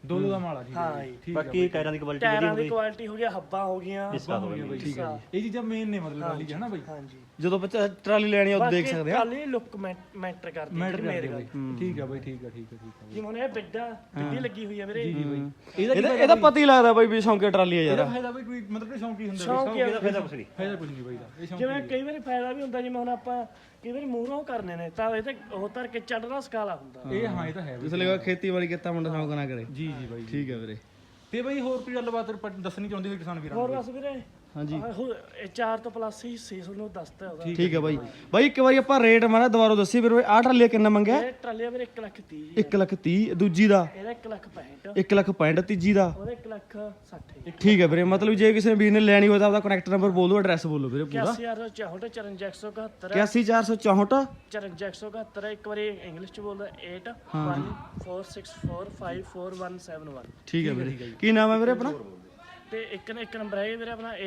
[SPEAKER 3] ਦੋ ਦਾ ਮਾਲ ਆ ਠੀਕ
[SPEAKER 1] ਹਾਂ ਜੀ।
[SPEAKER 3] ਠੀਕ
[SPEAKER 4] ਬਾਕੀ ਟਾਇਰਾਂ ਦੀ ਕੁਆਲਿਟੀ
[SPEAKER 1] ਟਾਇਰਾਂ ਦੀ ਕੁਆਲਿਟੀ ਹੋ ਗਿਆ, ਹੱਬਾਂ ਹੋ ਗਈਆਂ।
[SPEAKER 3] ਆ ਹੋ ਗਿਆ ਬਾਈ ਠੀਕ ਹੈ ਇਹ ਚੀਜ਼ਾਂ ਮੇਨ ਨੇ ਮਤਲਬ ਟਰਾਲੀ 'ਚ ਹੈ ਨਾ ਬਾਈ
[SPEAKER 1] ਹਾਂਜੀ
[SPEAKER 2] ਜਦੋਂ ਬੱਚਾ ਟਰਾਲੀ ਲੈਣੀ ਆ ਉਹ ਦੇਖ ਸਕਦੇ ਆ।
[SPEAKER 1] ਟਰਾਲੀ ਲੁੱਕ ਮੈਟਰ ਕਰਦੀ ਹੈ
[SPEAKER 3] ਮੈਟਰ
[SPEAKER 1] ਮੇਰੇ
[SPEAKER 3] ਕਰਦੇ
[SPEAKER 1] ਗੱਲ।
[SPEAKER 3] ਬਾਈ ਠੀਕ ਆ ਬਾਈ ਠੀਕ ਆ ਠੀਕ ਆ ਠੀਕ ਆ
[SPEAKER 1] ਜਿਵੇਂ ਹੁਣ ਇਹ ਬਿੱਡੀ ਲੱਗੀ ਹੋਈ ਹੈ ਵੀਰੇ।
[SPEAKER 3] ਜੀ ਬਾਈ
[SPEAKER 2] ਇਹਦਾ ਪਤਾ ਹੀ ਲੱਗਦਾ ਬਾਈ ਵੀ ਸ਼ੌਂਕੇ ਟਰਾਲੀ ਆ ਯਾਰ।
[SPEAKER 3] ਇਹਦਾ ਫਾਇਦਾ ਬਾਈ ਕੋਈ ਮਤਲਬ ਕਿ ਸ਼ੌਂਕੀ ਹੁੰਦਾ
[SPEAKER 1] ਸ਼ੌਂਕ ਹੀ ਆ।
[SPEAKER 4] ਫਾਇਦਾ ਕੁਛ ਨਹੀਂ।
[SPEAKER 3] ਫਾਇਦਾ ਕੁਝ ਨਹੀਂ ਬਾਈ ਦਾ ਇਹ ਸ਼ੌਂਕ
[SPEAKER 1] ਜਿਵੇਂ ਕਈ ਵਾਰੀ ਫਾਇਦਾ ਵੀ ਹੁੰਦਾ, ਜਿਵੇਂ ਹੁਣ ਆਪਾਂ ਕਈ ਵਾਰੀ ਮੂਹਰੋਂ ਕਰਨੇ ਨੇ ਤਾਂ ਇਹ ਤੇ ਉਹ ਧਰ ਕੇ ਚੜਨਾ ਸਕਾਲਾ ਹੁੰਦਾ।
[SPEAKER 3] ਇਹ ਹਾਂ ਇਹ ਤਾਂ ਹੈ
[SPEAKER 2] ਇਸ ਲਈ ਖੇਤੀਬਾੜੀ ਕੀਤਾ ਮੁੰਡਾ ਸ਼ੌਂਕ ਨਾ ਕਰੇ।
[SPEAKER 3] ਜੀ ਜੀ ਬਾਈ
[SPEAKER 2] ਠੀਕ ਹੈ ਵੀਰੇ।
[SPEAKER 3] ਤੇ ਬਾਈ ਹੋਰ ਕੋਈ ਗੱਲਬਾਤ ਦੱਸਣੀ ਚਾਹੁੰਦੀ ਹੋਈ ਕਿਸਾਨ ਵੀਰਾਂ
[SPEAKER 1] ਹੋਰ
[SPEAKER 3] ਨੂੰ?
[SPEAKER 1] ਬਸ ਵੀਰੇ
[SPEAKER 2] ਹਾਂਜੀ
[SPEAKER 1] ਇਹ 4 ਤੋਂ ਪਲੱਸ ਹੀ ਸੀ ਤੁਹਾਨੂੰ ਦੱਸਤਾ ਉਹਦਾ।
[SPEAKER 2] ਠੀਕ ਹੈ ਬਾਈ। ਬਾਈ ਇੱਕ ਵਾਰੀ ਆਪਾਂ ਰੇਟ ਮਾਰਾ ਦੁਬਾਰਾ ਦੱਸੀ ਵੀਰੇ। ਆਹ ਟਰਾਲੀ ਕਿੰਨਾ ਮੰਗਿਆ?
[SPEAKER 1] ਇਹ ਟਰਾਲੀ ਵੀਰੇ 1,30,000
[SPEAKER 2] 1,30,000। ਦੂਜੀ ਦਾ
[SPEAKER 1] ਇਹਦਾ 1,65,000
[SPEAKER 2] 1,65,000। ਤੀਜੀ ਦਾ
[SPEAKER 1] ਉਹਦਾ 1,60,000
[SPEAKER 2] ਠੀਕ ਹੈ ਵੀਰੇ। ਮਤਲਬ ਜੇ ਕਿਸੇ ਵੀਰ ਨੇ ਲੈਣੀ ਹੋਵੇ ਤਾਂ ਆਪਦਾ ਕਨੈਕਟ ਨੰਬਰ ਬੋਲ ਦਿਓ, ਐਡਰੈਸ ਬੋਲੋ ਵੀਰੇ ਪੂਰਾ।
[SPEAKER 1] 81,464 54,174
[SPEAKER 2] 81464
[SPEAKER 1] 54,174 ਇੱਕ ਵਾਰੀ ਇੰਗਲਿਸ਼ ਚ ਬੋਲਦਾ 8146454171।
[SPEAKER 2] ਠੀਕ ਹੈ ਵੀਰੇ। ਕੀ ਨਾਮ ਹੈ ਵੀਰੇ ਆਪਣਾ?
[SPEAKER 1] ਤੇ ਇੱਕ ਨੰਬਰ ਹੈ ਵੀਰੇ ਆਪਣਾ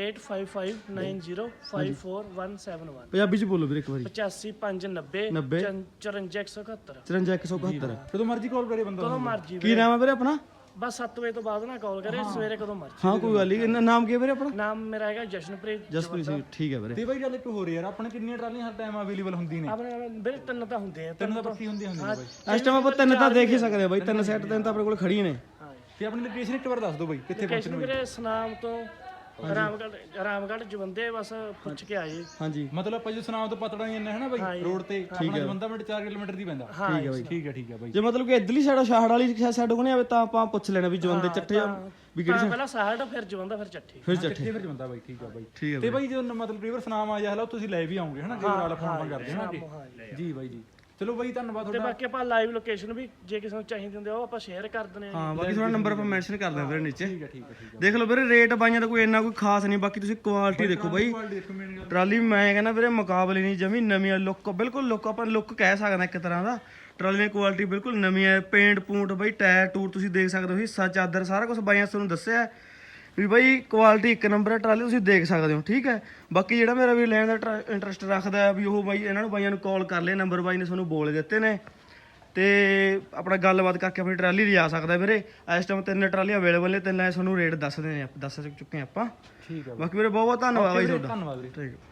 [SPEAKER 1] 8559054171।
[SPEAKER 2] ਪੰਜਾਬੀ ਚ ਬੋਲੋ ਵੀਰੇ ਇੱਕ ਵਾਰੀ।
[SPEAKER 1] 8559
[SPEAKER 2] 90
[SPEAKER 1] 54,174
[SPEAKER 2] 54171।
[SPEAKER 3] ਜਦੋਂ ਮਰਜ਼ੀ ਕਾਲ ਕਰੇ ਬੰਦਾ
[SPEAKER 1] ਕਦੋਂ ਮਰਜੀ
[SPEAKER 2] ਕੀ ਨਾਮ ਹੈ ਵੀਰੇ ਆਪਣਾ?
[SPEAKER 1] ਬਸ 7 ਵਜੇ ਤੋਂ ਬਾਅਦ ਨਾ ਕਾਲ ਕਰੇ, ਸਵੇਰੇ ਕਦੋਂ ਮਰਜੀ।
[SPEAKER 2] ਹਾਂ ਕੋਈ ਗੱਲ ਨਹੀਂ। ਨਾਮ ਕੀ ਹੈ ਵੀਰੇ ਆਪਣਾ?
[SPEAKER 1] ਨਾਮ ਮੇਰਾ ਹੈਗਾ ਜਸ਼ਨਪ੍ਰੀਤ।
[SPEAKER 2] ਜਸਪ੍ਰੀਤ ਸਿੰਘ। ਠੀਕ ਹੈ ਵੀਰੇ।
[SPEAKER 3] ਤੇ ਬਾਈ ਗੱਲ ਇੱਕ ਹੋਰ ਯਾਰ ਆਪਣੇ ਕਿੰਨੀਆਂ ਟਰਾਲੀਆਂ ਹਰ ਟਾਈਮ ਅਵੇਲੇਬਲ ਹੁੰਦੀਆਂ ਨੇ?
[SPEAKER 1] ਆਪਣੇ ਵੀਰੇ 3 ਤਾਂ ਹੁੰਦੇ ਆ।
[SPEAKER 3] ਤਿੰਨ ਤਾਂ ਪੱਕੀ ਹੁੰਦੀਆਂ ਨੇ ਬਾਈ।
[SPEAKER 2] ਇਸ ਟਾਈਮ ਆਪਾਂ ਤਿੰਨ ਤਾਂ ਦੇਖ ਹੀ ਸਕਦੇ ਆ ਬਾਈ। ਤਿੰਨ ਸੈੱਟ ਤਿੰਨ ਤਾਂ ਆਪਣੇ ਕੋਲ ਖੜੀਆਂ ਨੇ।
[SPEAKER 3] ਤੇ ਆਪਣੀ ਲੋਕੇਸ਼ਨ ਇੱਕ ਵਾਰ ਦੱਸ ਦਿਓ ਬਾਈ ਕਿੱਥੇ
[SPEAKER 1] ਲੋਕੇਸ਼ਨ ਵੀਰੇ ਸਨਾਮ ਤੋਂ ਰਾਮਗੜ੍ਹ ਜਵੰਦੇ ਬਸ ਪੁੱਛ ਕੇ ਆਏ।
[SPEAKER 2] ਹਾਂਜੀ
[SPEAKER 3] ਮਤਲਬ ਆਪਾਂ ਜੇ ਸੁਨਾਮ ਤੋਂ ਪਤੜਾ ਨਹੀਂ ਇੰਨਾ ਹੈ ਨਾ ਬਾਈ ਰੋਡ ਤੇ ਆਪਣਾ ਜਵੰਦਾ ਮਿੰਟ 4 ਕਿਲੋਮੀਟਰ ਦੀ ਪੈਂਦਾ।
[SPEAKER 1] ਹਾਂ
[SPEAKER 2] ਠੀਕ ਹੈ ਬਾਈ।
[SPEAKER 3] ਠੀਕ ਹੈ ਬਾਈ।
[SPEAKER 2] ਜੇ ਮਤਲਬ ਕਿ ਇਧਰਲੀ ਸਾਈਡ ਸ਼ਾਹੜ ਵਾਲੀ ਸਾਈਡ ਕੋਨੇ ਆਵੇ ਤਾਂ ਆਪਾਂ ਪੁੱਛ ਲੈਣਾ ਵੀ ਜਵੰਦੇ ਚੱਟੇ ਆ ਵੀ ਕਿਹੜੀ
[SPEAKER 1] ਪਹਿਲਾਂ ਸਾਹੜ ਫਿਰ ਜਵੰਦਾ ਫਿਰ ਚੱਠੀ।
[SPEAKER 2] ਫਿਰ ਚੱਠੇ।
[SPEAKER 3] ਕਿੱਥੇ ਫਿਰ ਜਵੰਦਾ ਬਾਈ ਠੀਕ ਆ ਬਾਈ।
[SPEAKER 2] ਠੀਕ ਹੈ
[SPEAKER 3] ਤੇ ਬਾਈ ਜਦੋਂ ਮਤਲਬ ਰਿਵਰ ਸੁਨਾਮ ਆ ਜਾ ਹਲਾ ਤੁਸੀਂ ਲੈ ਵੀ ਆਉਂਗੇ ਹਨਾ, ਕਈ ਵਾਰ ਫੋਨ ਕਰਦੇ ਹਾਂ ਜੀ ਬਾਈ ਜੀ। ਚਲੋ ਬਾਈ ਧੰਨਵਾਦ
[SPEAKER 1] ਤੇ
[SPEAKER 3] ਤੁਹਾਡਾ।
[SPEAKER 1] ਬਾਕੀ ਆਪਾਂ ਲਾਈਵ ਲੋਕੇਸ਼ਨ ਵੀ ਜੇ ਕਿਸੇ ਨੂੰ ਚਾਹੀਦੀ ਹੁੰਦੀ ਉਹ ਆਪਾਂ ਸ਼ੇਅਰ ਕਰ ਦਿੰਦੇ ਆ।
[SPEAKER 2] ਹਾਂ ਬਾਕੀ ਤੁਹਾਡਾ ਨੰਬਰ ਆਪਾਂ ਮੈਂਸ਼ਨ ਕਰ ਦਾਂ ਵੀਰੇ ਨੀਚੇ।
[SPEAKER 3] ਠੀਕ ਹੈ
[SPEAKER 2] ਦੇਖ ਲਓ ਵੀਰੇ ਰੇਟ ਬਾਈਆਂ ਦਾ ਕੋਈ ਇੰਨਾ ਕੋਈ ਖਾਸ ਨਹੀਂ। ਬਾਕੀ ਤੁਸੀਂ ਕੁਆਲਿਟੀ ਦੇਖੋ ਬਾਈ। ਟਰਾਲੀ ਮੈਂ ਕਹਿੰਦਾ ਵੀਰੇ ਮੁਕਾਬਲੇ ਨਹੀਂ, ਜਮੀ ਨਵੀਂ ਲੁੱਕ, ਬਿਲਕੁਲ ਲੁੱਕ ਆਪਾਂ ਲੁੱਕ ਕਹਿ ਸਕਦੇ ਇੱਕ ਤਰ੍ਹਾਂ ਦਾ। ਟਰਾਲੀ ਦੀ ਕੁਆਲਿਟੀ ਬਿਲਕੁਲ ਨਵੀਂ ਹੈ। ਪੇਂਟ ਪੂੰਟ ਬਾਈ, ਟਾਇਰ ਟੂਰ ਤੁਸੀਂ ਦੇਖ ਸਕਦੇ ਹੋ, ਹਿੱਸਾ ਚਾਦਰ ਸਾਰਾ ਕੁਝ ਬਾਈਆਂ ਤੁਹਾਨੂੰ ਦੱਸਿਆ ਵੀ ਬਾਈ ਕੁਆਲਿਟੀ ਇੱਕ ਨੰਬਰ ਹੈ। ਟਰਾਲੀ ਤੁਸੀਂ ਦੇਖ ਸਕਦੇ ਹੋ। ਠੀਕ ਹੈ। ਬਾਕੀ ਜਿਹੜਾ ਮੇਰਾ ਵੀ ਲੈਣ ਦਾ ਇੰਟਰਸਟ ਰੱਖਦਾ ਹੈ ਵੀ ਉਹ ਬਾਈ ਇਹਨਾਂ ਨੂੰ ਬਾਈਆਂ ਨੂੰ ਕਾਲ ਕਰ ਲਿਆ, ਨੰਬਰ ਬਾਈ ਨੇ ਤੁਹਾਨੂੰ ਬੋਲ ਦਿੱਤੇ ਨੇ ਤੇ ਆਪਣਾ ਗੱਲਬਾਤ ਕਰਕੇ ਆਪਣੀ ਟਰਾਲੀ ਲਿਜਾ ਸਕਦਾ ਵੀਰੇ। ਇਸ ਟਾਈਮ 3 ਟਰਾਲੀਆਂ ਅਵੇਲੇਬਲ ਨੇ, 3 ਤੁਹਾਨੂੰ ਰੇਟ ਦੱਸ ਚੁੱਕੇ ਆਪਾਂ।
[SPEAKER 3] ਠੀਕ ਹੈ
[SPEAKER 2] ਬਾਕੀ ਵੀਰੇ ਬਹੁਤ ਬਹੁਤ ਧੰਨਵਾਦ ਬਾਈ ਤੁਹਾਡਾ।
[SPEAKER 3] ਧੰਨਵਾਦ ਵੀਰੇ।
[SPEAKER 2] ਠੀਕ ਹੈ।